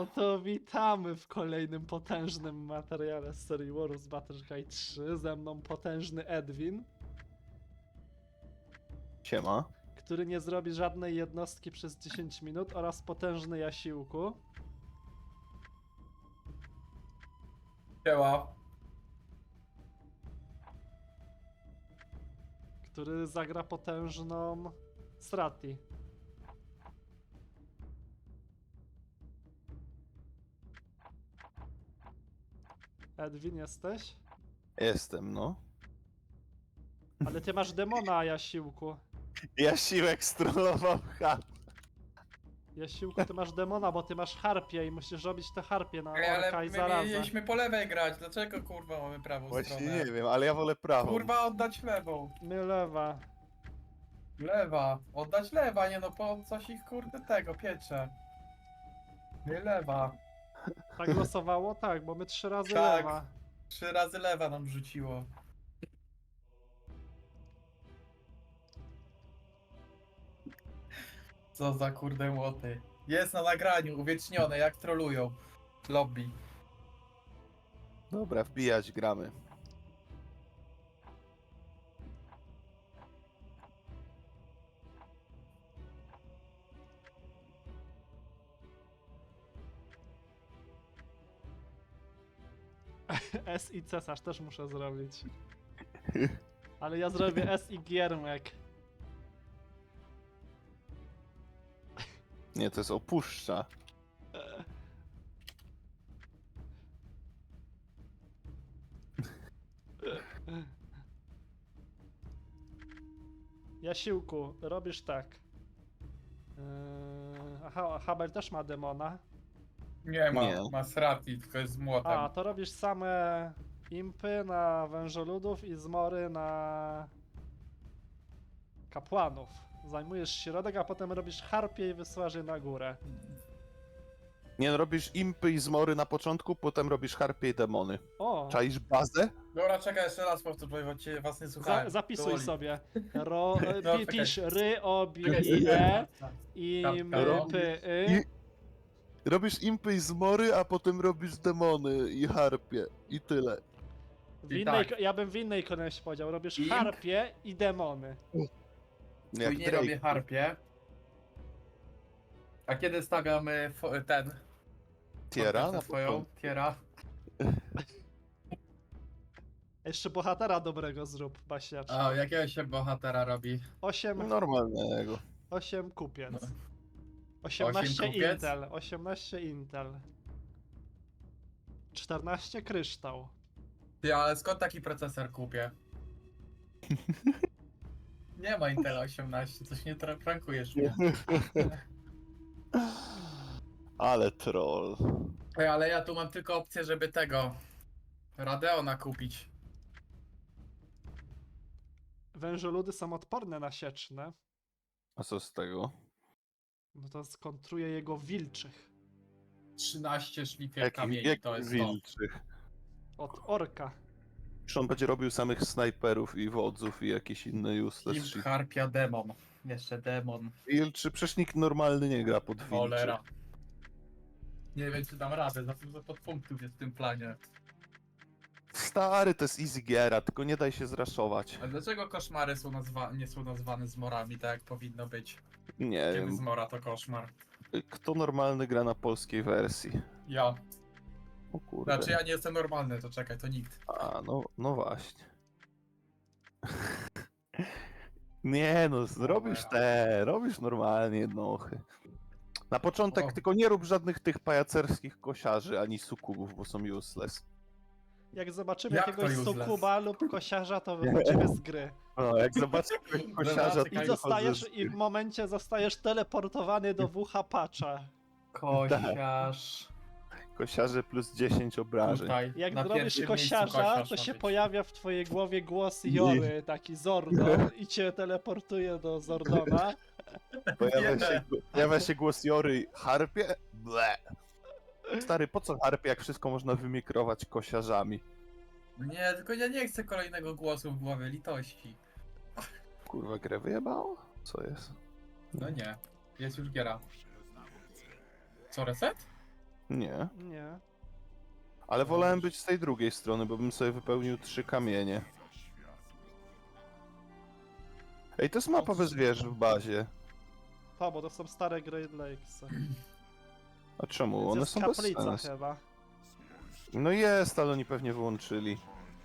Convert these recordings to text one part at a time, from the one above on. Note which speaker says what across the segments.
Speaker 1: No to witamy w kolejnym potężnym materiale z serii Warus Battle Guide 3. Ze mną potężny Edwin,
Speaker 2: Siema.
Speaker 1: który nie zrobi żadnej jednostki przez 10 minut, oraz potężny Jasiłku,
Speaker 3: Siema.
Speaker 1: który zagra potężną Strati. Edwin, jesteś?
Speaker 2: Jestem, no.
Speaker 1: Ale ty masz demona, Jasiłku.
Speaker 2: Jasiłek strollował chat.
Speaker 1: Jasiłku, ty masz demona, bo ty masz harpię i musisz robić te harpie na
Speaker 3: Ej,
Speaker 1: orka
Speaker 3: ale
Speaker 1: i
Speaker 3: my
Speaker 1: zarazę.
Speaker 3: mieliśmy po lewej grać, dlaczego kurwa mamy prawą
Speaker 2: Właśnie
Speaker 3: stronę?
Speaker 2: nie wiem, ale ja wolę prawą.
Speaker 3: Kurwa oddać lewą.
Speaker 1: My lewa.
Speaker 3: Lewa. Oddać lewa, nie no po coś ich kurde tego piecze. Nie lewa.
Speaker 1: Tak losowało? Tak, bo my 3 razy
Speaker 3: Tak.
Speaker 1: lewa.
Speaker 3: 3 razy lewa nam rzuciło. Co za kurde młoty. Jest na nagraniu, uwiecznione, jak trolują. Lobby.
Speaker 2: Dobra, wbijać, gramy.
Speaker 1: S i cesarz też muszę zrobić. Ale ja zrobię S i giermek.
Speaker 2: Nie, to jest opuszcza.
Speaker 1: Jasiłku, robisz tak. Aha, Habel też ma demona.
Speaker 3: Nie ma,
Speaker 2: Nie.
Speaker 3: ma Srati, tylko jest z młotem.
Speaker 1: A, to robisz same impy na wężoludów i zmory na kapłanów. Zajmujesz środek, a potem robisz harpie i wysyłasz je na górę.
Speaker 2: Nie, no, robisz impy i zmory na początku, potem robisz harpie i demony.
Speaker 1: O!
Speaker 2: Czaisz bazę?
Speaker 3: Dobra, czekaj, jeszcze raz powtórzę, bo cię was nie słuchałem.
Speaker 1: Zapisuj
Speaker 3: Powoli.
Speaker 1: sobie.
Speaker 3: No,
Speaker 1: Pisz
Speaker 3: czekaj.
Speaker 1: ry, o, bi,
Speaker 3: Czekaj,
Speaker 1: i, e,
Speaker 3: tak.
Speaker 1: i,
Speaker 3: Kapka,
Speaker 1: my,
Speaker 3: ro.
Speaker 1: py,
Speaker 2: I robisz impy i zmory, a potem robisz demony i harpie. I tyle.
Speaker 1: Ja bym w innej kolejności powiedział. Robisz
Speaker 3: Imp?
Speaker 1: harpie i demony.
Speaker 2: Jak
Speaker 3: Później
Speaker 2: Drake.
Speaker 3: robię harpie. A kiedy stawiamy ten?
Speaker 2: Tiera
Speaker 3: fortecę
Speaker 2: na
Speaker 3: swoją?
Speaker 2: początku.
Speaker 3: Tiera.
Speaker 1: Jeszcze bohatera dobrego zrób, Basiacz.
Speaker 3: A jakiego się bohatera robi?
Speaker 1: 8
Speaker 2: Normalnego.
Speaker 1: kupiec.
Speaker 3: No.
Speaker 1: 18
Speaker 3: 8 kupiec?
Speaker 1: Intel. 18 Intel. 14 kryształ.
Speaker 3: Ty, ale skąd taki procesor kupię? Nie ma Intela 18, coś nie prankujesz mnie.
Speaker 2: Ale troll.
Speaker 3: Ej, ale ja tu mam tylko opcję, żeby tego Radeona kupić.
Speaker 1: Wężoludy są odporne na sieczne.
Speaker 2: A co z tego?
Speaker 1: No to skontruje jego wilczych.
Speaker 3: 13 szlifierka kamieni,
Speaker 2: Jak
Speaker 3: to jest to.
Speaker 2: wilczych.
Speaker 1: Od orka.
Speaker 2: Czy on będzie robił samych snajperów i wodzów i jakieś inne useless
Speaker 3: Imp,
Speaker 2: shit?
Speaker 3: harpia, demon. Jeszcze demon.
Speaker 2: Wilczy, przecież nikt normalny nie gra pod wilczy.
Speaker 3: Cholera. Nie wiem, czy dam radę, za dużo podpunktów jest w tym planie.
Speaker 2: Stary, to jest easy giera, tylko nie daj się zraszować.
Speaker 3: A dlaczego koszmary są nie są nazwane zmorami, tak jak powinno być?
Speaker 2: Nie
Speaker 3: Kiedy
Speaker 2: wiem,
Speaker 3: zmora to koszmar?
Speaker 2: kto normalny gra na polskiej wersji?
Speaker 3: Ja.
Speaker 2: O kurde.
Speaker 3: Znaczy ja nie jestem normalny, to czekaj, to nikt.
Speaker 2: A, no właśnie. Nie no, robisz normalnie jednochy. Na początek
Speaker 3: O.
Speaker 2: tylko nie rób żadnych tych pajacerskich kosiarzy ani sukubów, bo są useless.
Speaker 1: Jak zobaczymy
Speaker 3: Jak
Speaker 1: jakiegoś
Speaker 3: to useless?
Speaker 1: sukuba lub kosiarza, to wychodzimy z gry.
Speaker 2: No, jak zobaczysz kosiarza, to
Speaker 3: Czekaj,
Speaker 1: I
Speaker 2: wychodzę z
Speaker 1: i w momencie zostajesz teleportowany do wucha patcha.
Speaker 3: Kosiarz.
Speaker 2: Kosiarze plus 10 obrażeń.
Speaker 3: Tutaj.
Speaker 1: Jak
Speaker 3: na
Speaker 1: zrobisz
Speaker 3: pierwszym
Speaker 1: kosiarza,
Speaker 3: miejscu kosiarz
Speaker 1: to
Speaker 3: ma
Speaker 1: się
Speaker 3: być.
Speaker 1: pojawia w twojej głowie głos Jory, taki Zordon, i cię teleportuje do Zordona.
Speaker 2: Pojawia się głos Jory, harpie? Ble. Stary, po co harpie, jak wszystko można wymikrować kosiarzami?
Speaker 3: Nie, tylko ja nie chcę kolejnego głosu w głowie, litości.
Speaker 2: Kurwa, grę wyjebało? Co jest?
Speaker 3: No nie, jest już giera. Co, reset?
Speaker 2: Nie.
Speaker 1: Nie.
Speaker 2: Ale wolałem być z tej drugiej strony, bo bym sobie wypełnił 3 kamienie. Ej, to jest mapa bez wieży w bazie.
Speaker 1: To, bo to są stare Great Lakes.
Speaker 2: A czemu?
Speaker 1: Więc
Speaker 2: One
Speaker 1: jest
Speaker 2: są bez
Speaker 1: kaplica
Speaker 2: sensu.
Speaker 1: chyba.
Speaker 2: No jest, ale oni pewnie wyłączyli.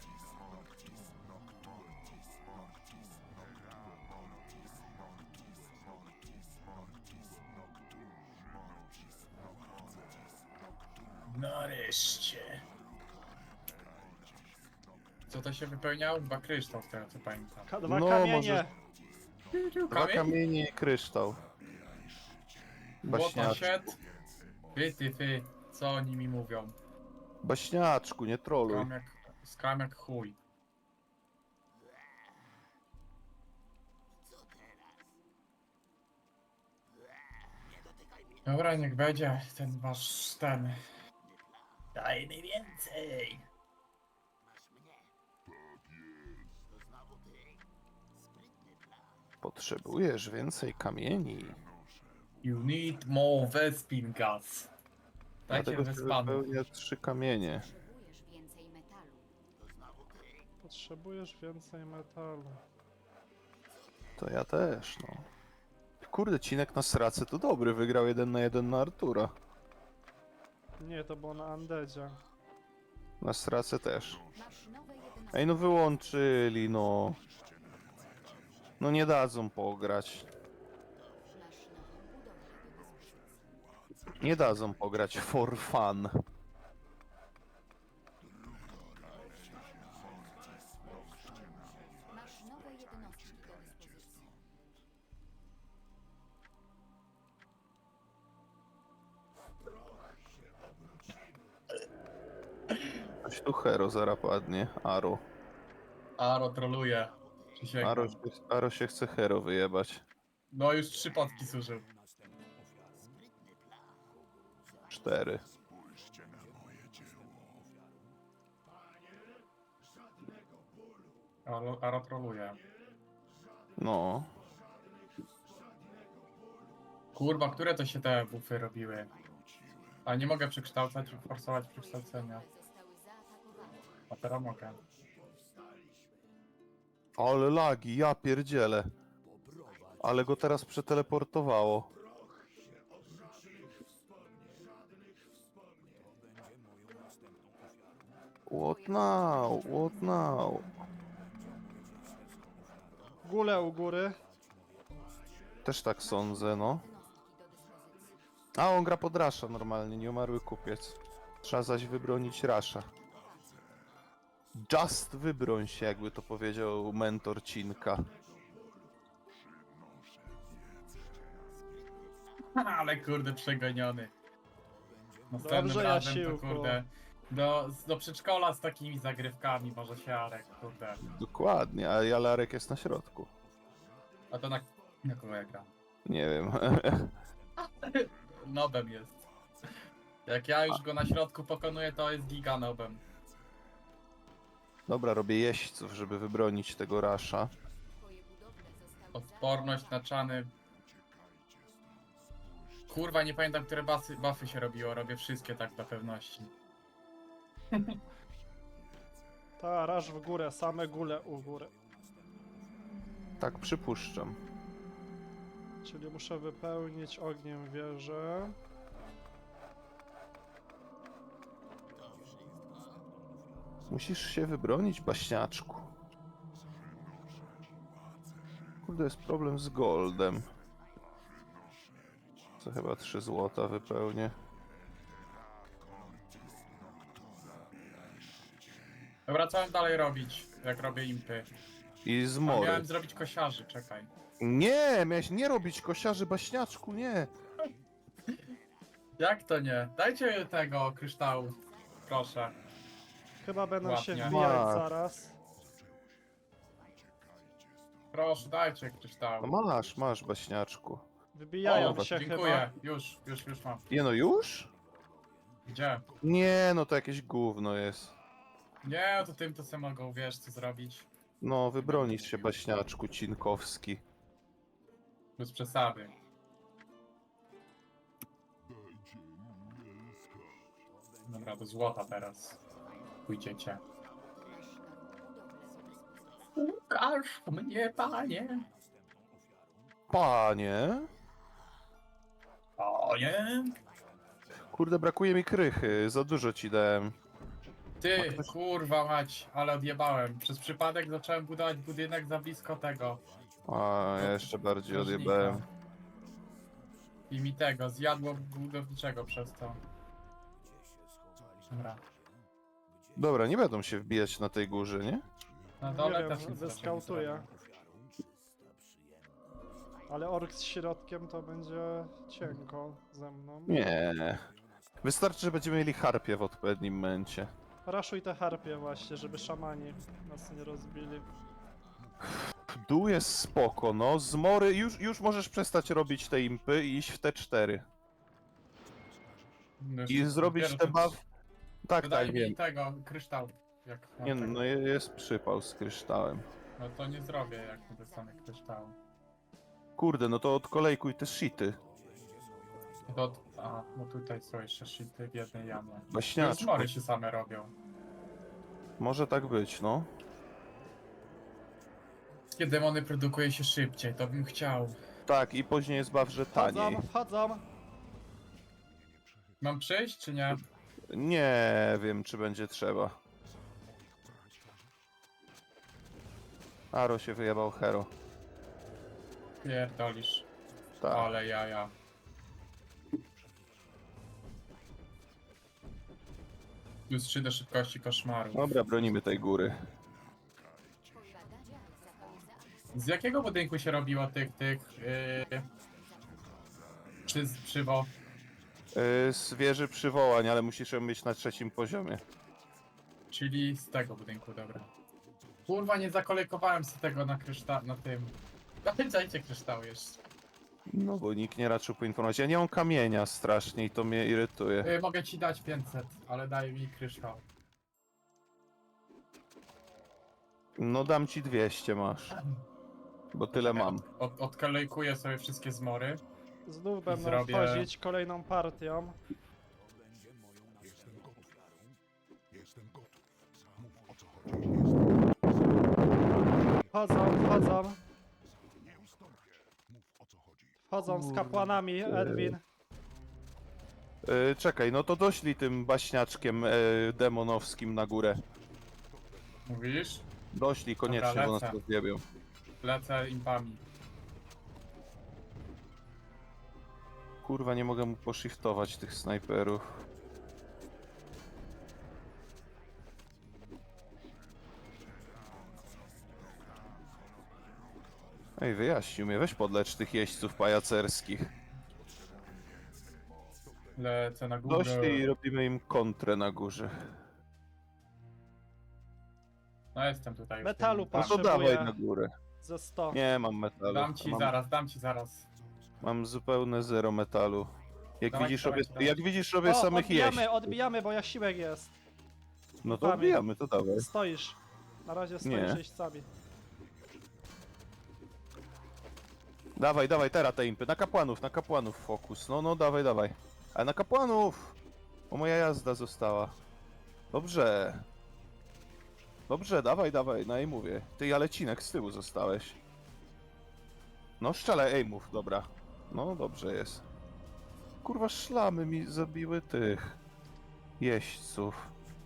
Speaker 3: Nareszcie. Co to się wypełniało? Chyba kryształ, z tego co pamiętam.
Speaker 1: Dwa
Speaker 2: No,
Speaker 1: kamienie!
Speaker 2: może- 2 kamienie i kryształ.
Speaker 3: What the
Speaker 2: Baśniaczku.
Speaker 3: shit? Ty, co oni mi mówią?
Speaker 2: Baśniaczku, nie troluj.
Speaker 3: Skam jak chuj. Dobra, niech będzie ten wasz ten. Daj mi więcej!
Speaker 2: Potrzebujesz więcej kamieni.
Speaker 3: You need more Vespin gas. Dajcie
Speaker 2: Dlatego się
Speaker 3: Vespanów.
Speaker 2: wypełnia 3 kamienie.
Speaker 4: Potrzebujesz więcej metalu.
Speaker 1: Potrzebujesz więcej metalu.
Speaker 2: To ja też, no. Kurde, Cinek na sracy to dobry, wygrał 1 na 1 na Artura.
Speaker 1: Nie, to było na Undeadzie.
Speaker 2: Na sracy też.
Speaker 4: Masz nowe jednostki.
Speaker 2: Ej, no wyłączyli, no. No nie dadzą pograć.
Speaker 4: Masz nową budowlę do dyspozycji.
Speaker 2: Nie dadzą pograć for fun.
Speaker 4: Masz nowe jednostki do dyspozycji.
Speaker 2: Coś tu hero zaraz padnie. Aro.
Speaker 3: Aro troluje. Przysięgam.
Speaker 2: Aro się chce hero wyjebać.
Speaker 3: No już 3 potki zużył.
Speaker 2: 4.
Speaker 3: Aro troluje.
Speaker 2: No.
Speaker 3: Kurwa, które to się te bufy robiły? A nie mogę przekształcać i forsować przekształcenia.
Speaker 4: Zostały zaatakowane.
Speaker 3: A teraz mogę.
Speaker 2: Ale lagi, ja pierdzielę. Ale go teraz przeteleportowało. What now? What now?
Speaker 1: Gule u góry.
Speaker 2: Też tak sądzę, no.
Speaker 4: Jednostki do dyspozycji.
Speaker 2: A on gra pod Rasha normalnie, nieumarły kupiec. Trzeba zaś wybronić Rasha. Just wybroń się, jakby to powiedział mentor Cinka.
Speaker 3: Ale kurde, przegoniony. Następnym
Speaker 1: Dobrze,
Speaker 3: razem to
Speaker 1: Jasiłku.
Speaker 3: kurde. Do przedszkola z takimi zagrywkami może się Arek, kurde.
Speaker 2: Dokładnie, a Jalarek jest na środku.
Speaker 3: A to na kogo ja gram?
Speaker 2: Nie wiem.
Speaker 3: Nobem jest. Jak ja już go na środku pokonuję, to jest giga nobem.
Speaker 2: Dobra, robię jeźdźców, żeby wybronić tego Rasha.
Speaker 4: Twoje budowle zostały
Speaker 3: Odporność na czany. Kurwa, nie pamiętam, które buffy się robiło. Robię wszystkie tak dla pewności.
Speaker 1: Ta, raż w górę, same gule u góry.
Speaker 2: Tak przypuszczam.
Speaker 1: Czyli muszę wypełnić ogniem wieżę.
Speaker 2: Musisz się wybronić, baśniaczku. Kurde, jest problem z goldem. Co chyba 3 złota wypełnię.
Speaker 3: Dobra, co mam dalej robić, jak robię impy?
Speaker 2: I z
Speaker 3: A
Speaker 2: mory.
Speaker 3: miałem zrobić kosiarzy, czekaj.
Speaker 2: Nie, miałeś nie robić kosiarzy, baśniaczku, nie.
Speaker 3: Jak to nie? Dajcie tego kryształu, proszę.
Speaker 1: Chyba będą się
Speaker 3: Ładnie.
Speaker 1: wbijać
Speaker 2: Ma.
Speaker 1: zaraz.
Speaker 3: Proszę, dajcie kryształu.
Speaker 2: No masz, baśniaczku.
Speaker 1: Wybijają
Speaker 3: O,
Speaker 1: się
Speaker 3: dziękuję.
Speaker 1: chyba.
Speaker 3: Już mam.
Speaker 2: Nie no, już?
Speaker 3: Gdzie?
Speaker 2: Nie, no to jakieś gówno jest.
Speaker 3: Nie, to tym to sobie mogą, wiesz, co zrobić.
Speaker 2: No, wybronisz się, baśniaczku Cinkowski.
Speaker 3: Bez przesady. Dobra, do złota teraz. Pójdziecie.
Speaker 4: Masz nową budowlę do dyspozycji.
Speaker 3: Ukaż mnie, panie!
Speaker 2: Panie?
Speaker 3: Panie!
Speaker 2: Kurde, brakuje mi krychy, za dużo ci dałem.
Speaker 3: Ty, kurwa mać, ale odjebałem. Przez przypadek zacząłem budować budynek za blisko tego.
Speaker 2: A, ja jeszcze bardziej
Speaker 3: strażnika.
Speaker 2: odjebałem.
Speaker 3: I mi tego, zjadło budowniczego przez to. Dobra.
Speaker 2: Dobra, nie będą się wbijać na tej górze, nie?
Speaker 3: Na
Speaker 1: Nie
Speaker 3: dole
Speaker 1: wiem,
Speaker 3: też nic
Speaker 1: wyskautuję.
Speaker 3: raczej
Speaker 1: Ale ork z środkiem to będzie cienko ze mną.
Speaker 2: Nie. Wystarczy, że będziemy mieli harpie w odpowiednim momencie.
Speaker 1: Raszuj te harpie właśnie, żeby szamani nas nie rozbili.
Speaker 2: Dół jest spoko, no. Zmory, już możesz przestać robić te impy i iść w te 4.
Speaker 3: zrobię.
Speaker 2: I zrobić te buff... Tak,
Speaker 3: Dodaj
Speaker 2: tak,
Speaker 3: mi
Speaker 2: wiem.
Speaker 3: tego, kryształ. Jak mam
Speaker 2: Nie,
Speaker 3: tego.
Speaker 2: no jest przypał z kryształem.
Speaker 3: No to nie zrobię, jak nie dostanę kryształu.
Speaker 2: Kurde, no to odkolejkuj te shity.
Speaker 3: A, no tutaj są jeszcze shity w jednej jamie.
Speaker 2: Baśniaczku.
Speaker 3: Zmory się same robią.
Speaker 2: Może tak być, no.
Speaker 3: Wszystkie demony produkuje się szybciej, to bym chciał.
Speaker 2: Tak, i później jest buff, że taniej.
Speaker 1: Wchodzą!
Speaker 3: Mam przyjść, czy nie?
Speaker 2: Nie wiem, czy będzie trzeba. Aro się wyjebał hero.
Speaker 3: Pierdolisz.
Speaker 2: Tak.
Speaker 3: Ale jaja. Plus 3 do szybkości koszmaru.
Speaker 2: Dobra, bronimy tej góry.
Speaker 4: Twoje badania zapały zaakcje.
Speaker 3: Z jakiego budynku się robiło przywo?
Speaker 2: Z wieży przywołań, ale musisz ją mieć na 3. poziomie.
Speaker 3: Czyli z tego budynku, dobra. Kurwa, nie zakolekowałem sobie tego na tym. Dajcie kryształ jeszcze.
Speaker 2: No bo nikt nie raczył poinformować. Ja nie mam kamienia strasznie i to mnie irytuje.
Speaker 3: Mogę ci dać 500, ale daj mi kryształ.
Speaker 2: No dam ci 200 masz. Bo tyle mam.
Speaker 3: Odkolejkuję sobie wszystkie zmory.
Speaker 1: Znów będą
Speaker 3: zrobię-
Speaker 1: wchodzić kolejną partią. Wchodzą. Wchodzą z kapłanami, Edwin.
Speaker 2: Czekaj, no to doślij tym baśniaczkiem demonowskim na górę.
Speaker 3: Mówisz?
Speaker 2: Doślij koniecznie,
Speaker 3: Dobra,
Speaker 2: bo nas
Speaker 3: lecę.
Speaker 2: rozjebią.
Speaker 3: Lecę impami.
Speaker 2: Kurwa, nie mogę mu poshiftować tych snajperów. Ej, wyjaśnił mnie, weź podlecz tych jeźdźców pajacerskich.
Speaker 3: Lecę na górę.
Speaker 2: Doślij i robimy im kontrę na górze.
Speaker 3: No jestem tutaj.
Speaker 1: Metalu
Speaker 2: No to
Speaker 1: Potrzebuję-
Speaker 2: dawaj na górę.
Speaker 1: Ze 100.
Speaker 2: Nie mam metalu.
Speaker 3: Dam ci zaraz.
Speaker 2: Mam zupełne zero metalu. Jak
Speaker 3: Dawaj,
Speaker 2: widzisz,
Speaker 3: dawaj,
Speaker 2: robię,
Speaker 3: dawaj.
Speaker 2: jak widzisz, robię samych jeźdźców.
Speaker 1: Odbijamy, bo jasiłek jest.
Speaker 2: No to
Speaker 1: Dawaj.
Speaker 2: odbijamy, to dawaj.
Speaker 1: Stoisz. Na razie stoisz
Speaker 2: Nie.
Speaker 1: jeźdźcami.
Speaker 2: Dawaj, teraz te impy. Na kapłanów fokus. No, dawaj. Ale na kapłanów! O, moja jazda została. Dobrze, dawaj, no i mówię. Ty, ale Cinek z tyłu zostałeś. No, szczelaj aimów, dobra. No, dobrze jest. Kurwa, szlamy mi zabiły tych jeźdźców.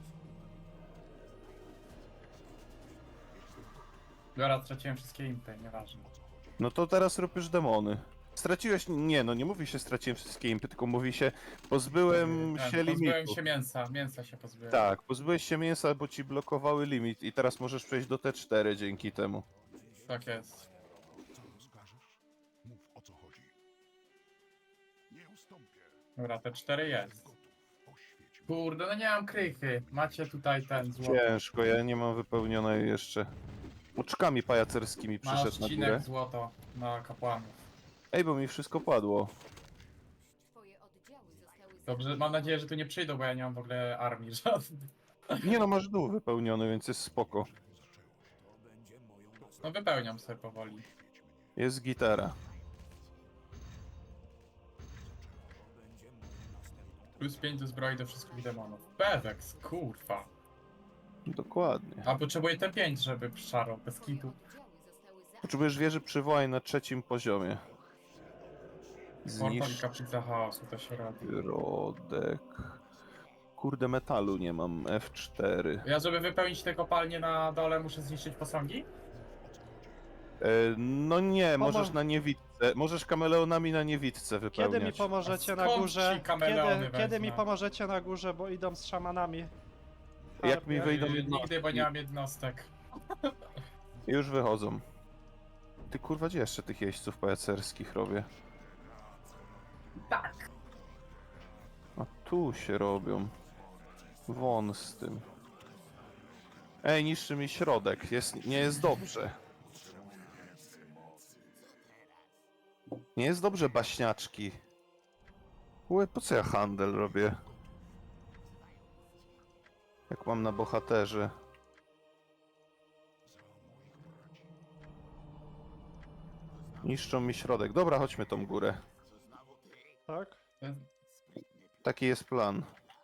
Speaker 3: Dobra, straciłem wszystkie impy, nieważne.
Speaker 2: No to teraz rób już demony. Straciłeś... Nie, no nie mówi się straciłem wszystkie impy, tylko mówi się pozbyłem się
Speaker 3: Pozbyłem
Speaker 2: limitu.
Speaker 3: się mięsa się pozbyłem.
Speaker 2: Tak, pozbyłeś się mięsa, bo ci blokowały limit i teraz możesz przejść do T4 dzięki temu.
Speaker 3: Tak jest. Dobra, te 4 jest. Kurde, no nie mam krychy. Macie tutaj ten złoty.
Speaker 2: Ciężko, ja nie mam wypełnionej jeszcze. Oczkami pajacerskimi
Speaker 3: Masz
Speaker 2: przyszedł na
Speaker 3: odcinek
Speaker 2: górę.
Speaker 3: złoto na kapłanów.
Speaker 2: Ej, bo mi wszystko padło.
Speaker 4: Twoje oddziały zostały
Speaker 3: Dobrze, mam nadzieję, że tu nie przyjdą, bo ja nie mam w ogóle armii żadnej.
Speaker 2: Nie no, masz dół wypełniony, więc jest spoko.
Speaker 3: No wypełniam sobie powoli.
Speaker 2: Jest gitara.
Speaker 3: Plus 5 do zbroi do wszystkich demonów. Pewex, kurwa.
Speaker 2: Dokładnie.
Speaker 3: A potrzebuję te 5, żeby szarał bez kitu.
Speaker 4: Oddziały zostały
Speaker 2: Potrzebujesz wieży przywołań na 3. poziomie.
Speaker 3: Portal i
Speaker 2: Zniszcz
Speaker 3: kaplica chaosu to się robi.
Speaker 2: środek. Kurde, metalu nie mam. F4.
Speaker 3: Ja, żeby wypełnić te kopalnie na dole, muszę zniszczyć posągi?
Speaker 2: No nie, możesz na niewidce. Możesz kameleonami na niewidce wypełniać.
Speaker 1: Kiedy mi pomożecie
Speaker 3: A
Speaker 1: na
Speaker 3: skąd
Speaker 1: górze?
Speaker 3: ci kameleony
Speaker 1: Kiedy mi
Speaker 3: wezmę?
Speaker 1: pomożecie na górze, bo idą z szamanami?
Speaker 2: Jak mi wyjdą
Speaker 3: Nigdy,
Speaker 2: jednostki.
Speaker 3: bo nie mam jednostek.
Speaker 2: Już wychodzą. Ty kurwa, gdzie jeszcze tych jeźdźców pajacerskich robię?
Speaker 3: Tak.
Speaker 2: A tu się robią. Won z tym. Ej, niszczy mi środek. Nie jest dobrze. Nie jest dobrze, baśniaczki. Łe, po co ja handel robię? Jak mam na bohaterze. Niszczą mi środek. Dobra, chodźmy tą górę.
Speaker 1: Tak?
Speaker 2: Taki jest plan.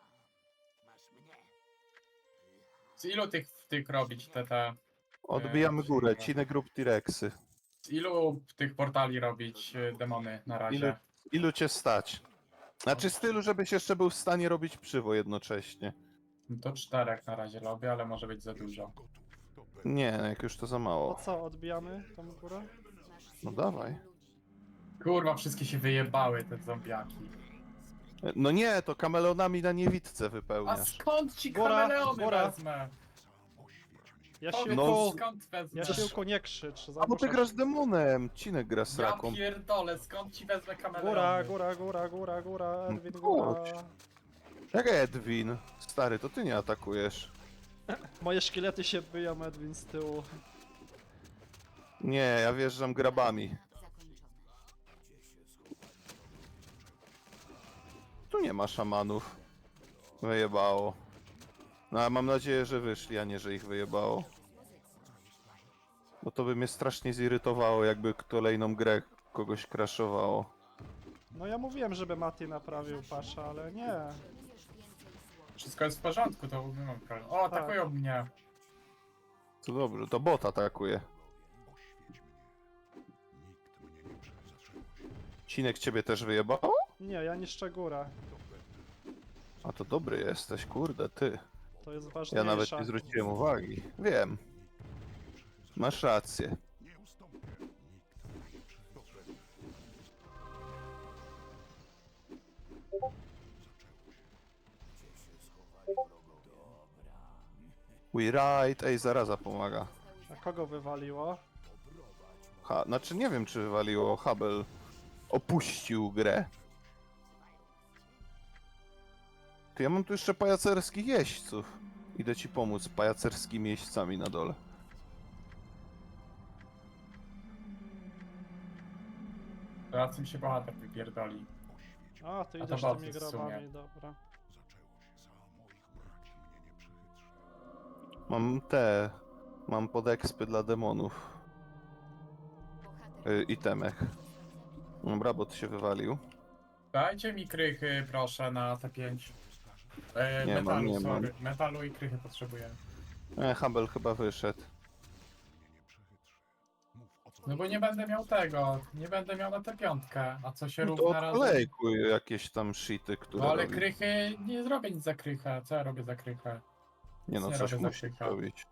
Speaker 3: Z ilu tych robić te...
Speaker 2: Odbijamy górę. Cinę grup T-Rexy.
Speaker 3: Z ilu tych portali robić demony na razie?
Speaker 2: Ilu cię stać? Znaczy z tylu, żebyś jeszcze był w stanie robić przywo jednocześnie.
Speaker 3: No to 4 na razie robię, ale może być za dużo.
Speaker 2: Nie, jak już to za
Speaker 1: To
Speaker 2: mało.
Speaker 1: co, odbijamy tą górę?
Speaker 2: No dawaj.
Speaker 3: Kurwa, wszystkie się wyjebały te zombiaki.
Speaker 2: No nie, to kameleonami na niewidce
Speaker 3: A
Speaker 2: wypełniasz.
Speaker 3: skąd ci
Speaker 1: Góra,
Speaker 3: kameleony
Speaker 1: góra.
Speaker 3: wezmę?
Speaker 1: Jasiłku,
Speaker 2: No,
Speaker 3: Skąd wezmę?
Speaker 1: Jasiłku, nie krzycz.
Speaker 2: A bo ty
Speaker 1: zagłuszasz.
Speaker 2: grasz demonem, Cinek gra z
Speaker 3: Ja
Speaker 2: raką.
Speaker 3: pierdolę, skąd ci wezmę kameleony?
Speaker 1: Góra, Edwin,
Speaker 2: No
Speaker 1: góra.
Speaker 2: chodź. Jak Edwin? Stary, to ty nie atakujesz.
Speaker 1: Moje szkielety się biją, Edwin, z tyłu.
Speaker 2: Nie, ja wjeżdżam grabami.
Speaker 4: zakończone.
Speaker 2: Tu nie ma szamanów. Wyjebało. No a mam nadzieję, że wyszli, a nie, że ich wyjebało. Bo to by mnie strasznie zirytowało, jakby kolejną grę kogoś crashowało.
Speaker 1: No ja mówiłem, żeby Mati naprawił pasza, ale nie.
Speaker 3: Wszystko jest w porządku, to nie mam problemu. O, atakują mnie.
Speaker 2: To dobrze, to bot atakuje. Cinek ciebie też wyjebało?
Speaker 1: Nie, ja niszczę górę.
Speaker 2: A to dobry jesteś, kurde, ty.
Speaker 1: To jest
Speaker 2: Ja
Speaker 1: ważniejsza.
Speaker 2: nawet nie zwróciłem uwagi. Wiem. Masz rację. We right. Ej, zaraza pomaga.
Speaker 1: A kogo wywaliło?
Speaker 2: Znaczy nie wiem, czy wywaliło. Hubble opuścił grę. Ty, ja mam tu jeszcze pajacerskich jeźdźców. Idę ci pomóc z pajacerskimi jeźdźcami na dole.
Speaker 3: Teraz im się bohater wypierdoli.
Speaker 1: A, ty
Speaker 3: A to
Speaker 1: idziesz
Speaker 3: boty
Speaker 1: tymi
Speaker 3: w sumie.
Speaker 1: grabami, dobra.
Speaker 2: Mam podekspy dla demonów.
Speaker 4: Bohater
Speaker 2: Itemek. Dobra, bot się wywalił.
Speaker 3: Dajcie mi krychy, proszę, na T5.
Speaker 2: Nie mam,
Speaker 3: Metalu,
Speaker 2: nie
Speaker 3: sorry. Metalu i krychy potrzebuję.
Speaker 2: Hubble chyba wyszedł.
Speaker 3: No bo nie będę miał tego, nie będę miał na T5, a co się
Speaker 2: No to
Speaker 3: równa razem...
Speaker 2: odklejkuj jakieś tam shity, które
Speaker 3: No ale
Speaker 2: robi.
Speaker 3: krychy, nie zrobię nic za krychę, co ja robię za krychę?
Speaker 2: Nie no,
Speaker 3: nie
Speaker 2: coś
Speaker 3: robię za
Speaker 2: musi
Speaker 3: krycha.
Speaker 2: robić.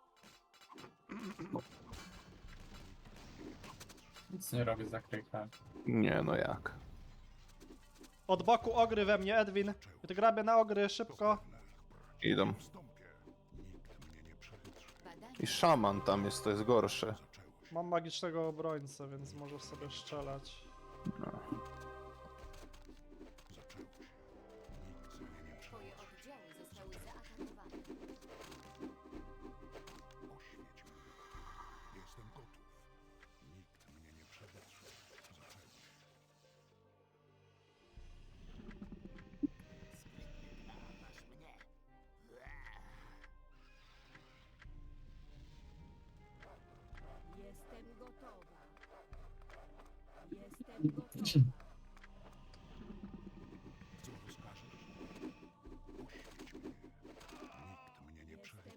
Speaker 3: Nic nie robię za krychę.
Speaker 2: Nie no, jak?
Speaker 1: Od boku ogry we mnie, Edwin. Grabie na ogry, szybko.
Speaker 2: Idą.
Speaker 4: badania
Speaker 2: I szaman tam jest, to jest gorsze.
Speaker 1: Mam magicznego obrońcę, więc możesz sobie strzelać.
Speaker 4: twoje oddziały zostały zaatakowane.
Speaker 5: Jestem gotowa. Jestem gotowa.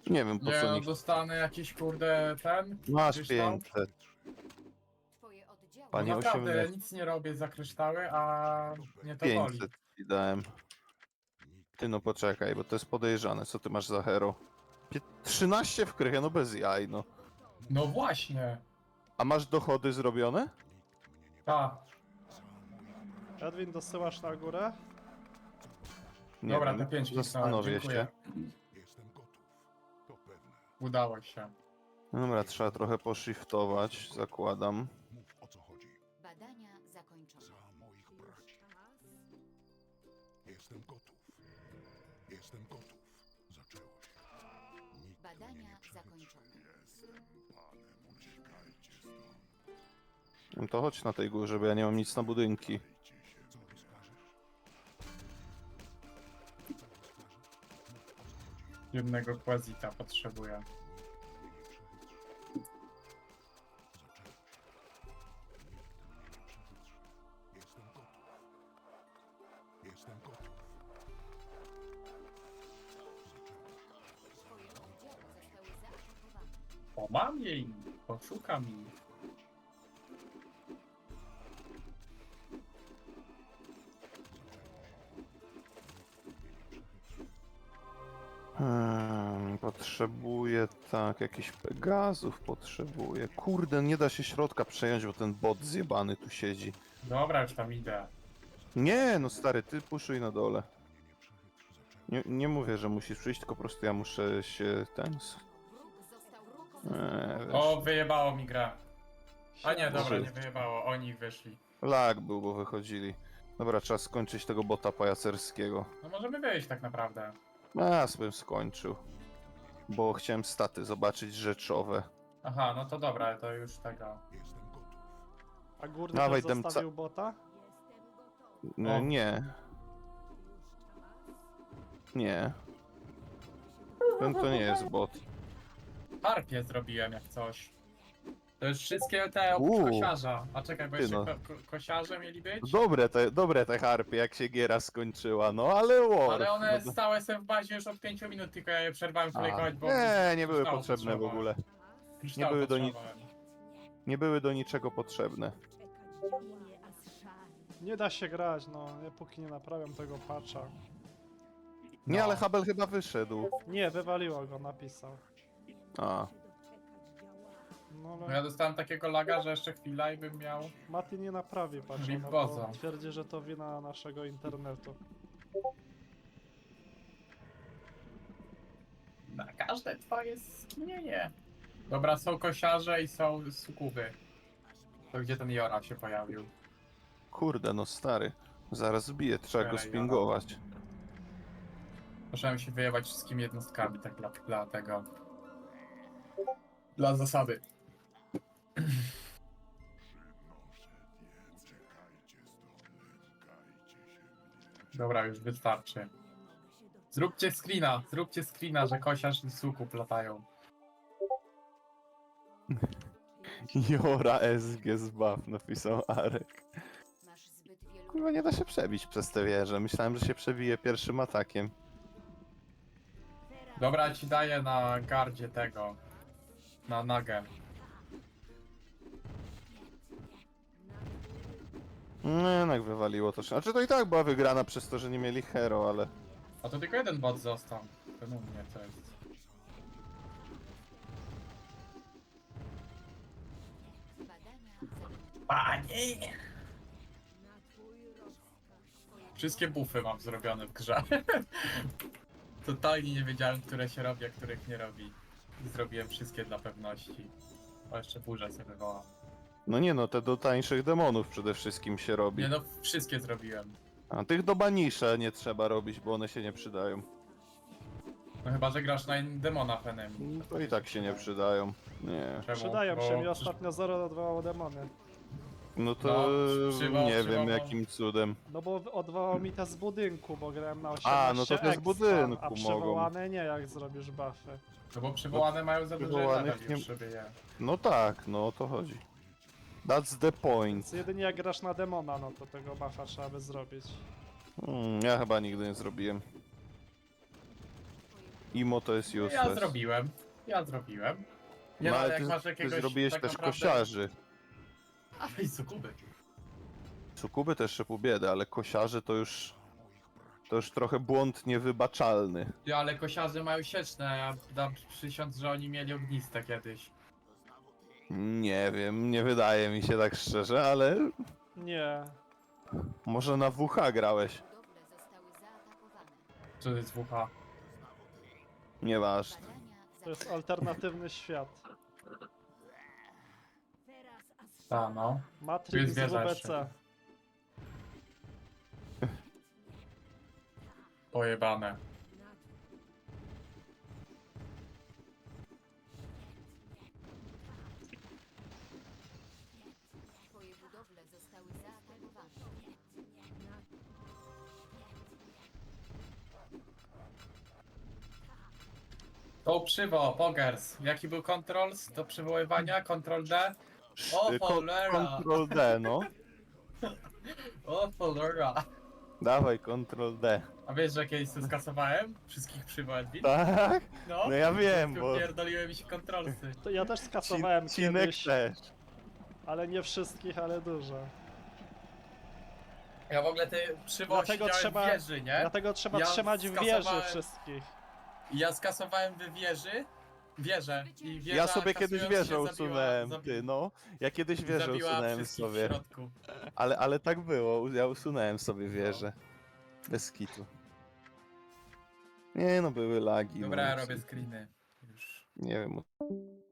Speaker 2: Nie wiem po
Speaker 3: Nie
Speaker 2: co
Speaker 3: no,
Speaker 2: nikt...
Speaker 3: dostanę jakiś kurde ten.
Speaker 2: Masz
Speaker 3: kryształ.
Speaker 2: 500.
Speaker 4: Twoje oddziały
Speaker 2: Panie
Speaker 3: No naprawdę,
Speaker 2: 18.
Speaker 3: nic nie robię za kryształy, a mnie to boli.
Speaker 2: 500 ci dałem. Ty no poczekaj, bo to jest podejrzane. Co ty masz za hero? 13 w krychę, no bez jaj, no.
Speaker 3: No właśnie.
Speaker 2: A masz dochody zrobione?
Speaker 3: Ta.
Speaker 1: Edwin, dosyłasz na górę?
Speaker 2: Nie
Speaker 3: Dobra,
Speaker 2: wiem,
Speaker 3: te 5
Speaker 2: zastanowię
Speaker 3: dziękuję.
Speaker 2: się.
Speaker 3: Udało się.
Speaker 2: Dobra, trzeba trochę poshiftować, zakładam.
Speaker 4: badania zakończone.
Speaker 5: Jestem gotów. Jestem gotów. Zaczęło się.
Speaker 4: Badania zakończone.
Speaker 5: Uciekajcie stąd.
Speaker 2: No to chodź na tej górze, bo ja nie mam nic na budynki.
Speaker 5: Co rozkażesz?
Speaker 3: Jednego quazita potrzebuję.
Speaker 5: Jestem gotów. Jestem gotów.
Speaker 4: Twoje oddziały zostały zaatakowane.
Speaker 3: O, mam jej! Poszukam jej.
Speaker 2: Potrzebuję, tak, jakichś Pegazów potrzebuję. Kurde, nie da się środka przejąć, bo ten bot zjebany tu siedzi.
Speaker 3: Dobra, już tam idę.
Speaker 2: Nie, no stary, ty puszuj na dole. Nie mówię, że musisz przyjść, tylko po prostu ja muszę się
Speaker 4: Wróg został
Speaker 2: wiesz.
Speaker 3: O, wyjebało mi grę. A nie, dobra,
Speaker 2: Może-
Speaker 3: nie wyjebało. Oni wyszli.
Speaker 2: Lag był, bo wychodzili. Dobra, trzeba skończyć tego bota pajacerskiego.
Speaker 3: No możemy wyjść tak naprawdę.
Speaker 2: Ja bym skończył. Bo chciałem staty zobaczyć rzeczowe.
Speaker 3: Aha, no to dobra, to już tego.
Speaker 5: Jestem gotów.
Speaker 1: A górny
Speaker 2: Dawaj,
Speaker 1: też
Speaker 2: Demca.
Speaker 1: zostawił bota?
Speaker 3: O.
Speaker 2: Nie. Nie. Ten to nie jest bot.
Speaker 3: Harpie zrobiłem jak coś. To już wszystkie te
Speaker 2: Uuu.
Speaker 3: kosiarza. A czekaj, bo
Speaker 2: Ty
Speaker 3: jeszcze
Speaker 2: no.
Speaker 3: kosiarze mieli być?
Speaker 2: Dobre te harpie, jak się giera skończyła, no ale war.
Speaker 3: Ale one
Speaker 2: no,
Speaker 3: stałe są w bazie już od 5 minut, tylko ja je przerwałem kolejkować, bo...
Speaker 2: nie były
Speaker 3: kryształu
Speaker 2: potrzebne w
Speaker 3: potrzebowałem.
Speaker 2: ogóle.
Speaker 3: Kryształu
Speaker 2: były do
Speaker 3: potrzebowałem.
Speaker 2: Nie były do niczego potrzebne.
Speaker 1: Nie da się grać, no, póki nie naprawiam tego patcha.
Speaker 2: Nie,
Speaker 3: No.
Speaker 2: ale Habel chyba wyszedł.
Speaker 1: Nie, wywaliło go, napisał.
Speaker 2: A,
Speaker 1: No
Speaker 3: No
Speaker 1: ale
Speaker 3: ja dostałem takiego laga, że jeszcze chwila i bym miał...
Speaker 1: Mati nie naprawi patcha,
Speaker 3: Rip
Speaker 1: no
Speaker 3: Bozo.
Speaker 1: bo twierdzi, że to wina naszego internetu.
Speaker 3: Na każde twoje skinienie. Dobra, są kosiarze i są sukuby. To gdzie ten Jora się pojawił?
Speaker 2: kurde, no stary. Zaraz zbiję, trzeba go
Speaker 3: Jara.
Speaker 2: spingować.
Speaker 3: Muszę się wyjebać wszystkimi jednostkami, tak dla tego. Dla zasady. Dobra, już wystarczy. Zróbcie screena, że kosiarz i sukup latają.
Speaker 2: Jora SG zbaw, napisał Arek.
Speaker 4: Masz zbyt wielu
Speaker 2: Kurwa, nie da się przebić przez tę wieżę. Myślałem, że się przebije pierwszym atakiem.
Speaker 3: Dobra, ci daję na gardzie tego. Na nagę.
Speaker 2: No, jednak wywaliło to. Znaczy to i tak była wygrana przez to, że nie mieli hero, ale...
Speaker 3: A to tylko jeden bot został. Ten u mnie to jest.
Speaker 4: badania zakończone.
Speaker 3: Panie! Wszystkie buffy mam zrobione w grze. Totalnie nie wiedziałem, które się robi, a których nie robi. I zrobiłem wszystkie dla pewności. O, jeszcze burzę sobie wywołam.
Speaker 2: No nie no, te do tańszych demonów przede wszystkim się robi.
Speaker 3: Nie no, wszystkie zrobiłem.
Speaker 2: A tych do banisza nie trzeba robić, bo one się nie przydają.
Speaker 3: No chyba, że grasz na demona enemy.
Speaker 2: No to i tak się nie przydają. Nie.
Speaker 3: Czemu?
Speaker 1: Przydają
Speaker 3: Bo
Speaker 1: się, mi
Speaker 3: przecież-
Speaker 1: ostatnio 0 odwołało demony.
Speaker 2: No to
Speaker 3: przywoł-
Speaker 2: nie
Speaker 3: przywołał-
Speaker 2: wiem jakim cudem.
Speaker 1: No bo odwołał mi te z budynku, bo grałem na 18
Speaker 2: A, no to te z
Speaker 1: expa,
Speaker 2: budynku
Speaker 1: a
Speaker 2: mogą.
Speaker 1: przywołane nie, jak zrobisz buffy.
Speaker 3: No bo przywołane mają za duży
Speaker 2: przywołanych
Speaker 3: level
Speaker 2: nie-
Speaker 3: już, żeby je...
Speaker 2: No tak, no o to chodzi. That's the point.
Speaker 1: Więc jedynie jak grasz na demona, no to tego buffa trzeba by zrobić.
Speaker 2: Ja chyba nigdy nie zrobiłem.
Speaker 4: Twoje
Speaker 2: Imo to jest
Speaker 3: Ja
Speaker 2: useless.
Speaker 3: zrobiłem. Ja zrobiłem. Nie
Speaker 2: No,
Speaker 3: no,
Speaker 2: ale
Speaker 3: jak
Speaker 2: ty,
Speaker 3: masz
Speaker 2: ty
Speaker 3: jakiegoś
Speaker 2: zrobiłeś
Speaker 3: tak
Speaker 2: też
Speaker 3: naprawdę...
Speaker 2: kosiarzy.
Speaker 3: A i sukuby.
Speaker 2: Sukuby też szypu biedę, ale kosiarzy to już... To już trochę błąd niewybaczalny.
Speaker 3: Ty, ale kosiarze mają sieczne, ja dam przysiąc, że oni mieli ogniste kiedyś.
Speaker 2: Nie wiem, nie wydaje mi się tak szczerze, ale
Speaker 1: Nie.
Speaker 2: może na WH grałeś.
Speaker 4: Budowle zostały zaatakowane.
Speaker 3: Co to jest WH?
Speaker 2: Nieważne.
Speaker 4: Badania
Speaker 1: To jest
Speaker 4: zakończone.
Speaker 1: alternatywny świat.
Speaker 3: Ta no. Tu
Speaker 1: Matrix
Speaker 3: jest
Speaker 1: z
Speaker 3: wieża
Speaker 1: WBC.
Speaker 3: jeszcze. Pojebane.
Speaker 4: Twoje budowle zostały zaatakowane.
Speaker 3: To przywo, Pogers. Jaki był controls do przywoływania? Control D? O, cholera.
Speaker 2: Ctrl D, no.
Speaker 3: O cholera.
Speaker 2: Dawaj, Ctrl D.
Speaker 3: A wiesz, że kiedyś to skasowałem? Wszystkich przywołań?
Speaker 2: Tak?
Speaker 3: No.
Speaker 2: No ja wiem, bo
Speaker 3: Pierdoliły mi się kontrolsy.
Speaker 1: To ja też skasowałem
Speaker 2: Cinek
Speaker 1: kiedyś,
Speaker 2: też.
Speaker 1: ale nie wszystkich, ale dużo.
Speaker 3: Ja w ogóle te przywoły
Speaker 1: Dlatego
Speaker 3: siedziałem
Speaker 1: trzeba-
Speaker 3: w wieży, nie?
Speaker 1: Dlatego trzeba
Speaker 3: Ja
Speaker 1: trzymać w wieży
Speaker 3: skasowałem-
Speaker 1: wszystkich.
Speaker 3: I ja skasowałem w wieżę i wieża
Speaker 2: Ja sobie kiedyś
Speaker 3: kasując
Speaker 2: wieżę
Speaker 3: się zabiła-
Speaker 2: usunąłem,
Speaker 3: zabi-
Speaker 2: ty no. Ja kiedyś wieżę
Speaker 3: zabiła
Speaker 2: usunąłem
Speaker 3: wszystkich w
Speaker 2: sobie.
Speaker 3: środku.
Speaker 2: Ale tak było, ja usunąłem sobie wieżę. Bez kitu. Nie no, były lagi.
Speaker 3: Dobra,
Speaker 2: no,
Speaker 3: ja robię screeny. Już.
Speaker 2: Nie wiem,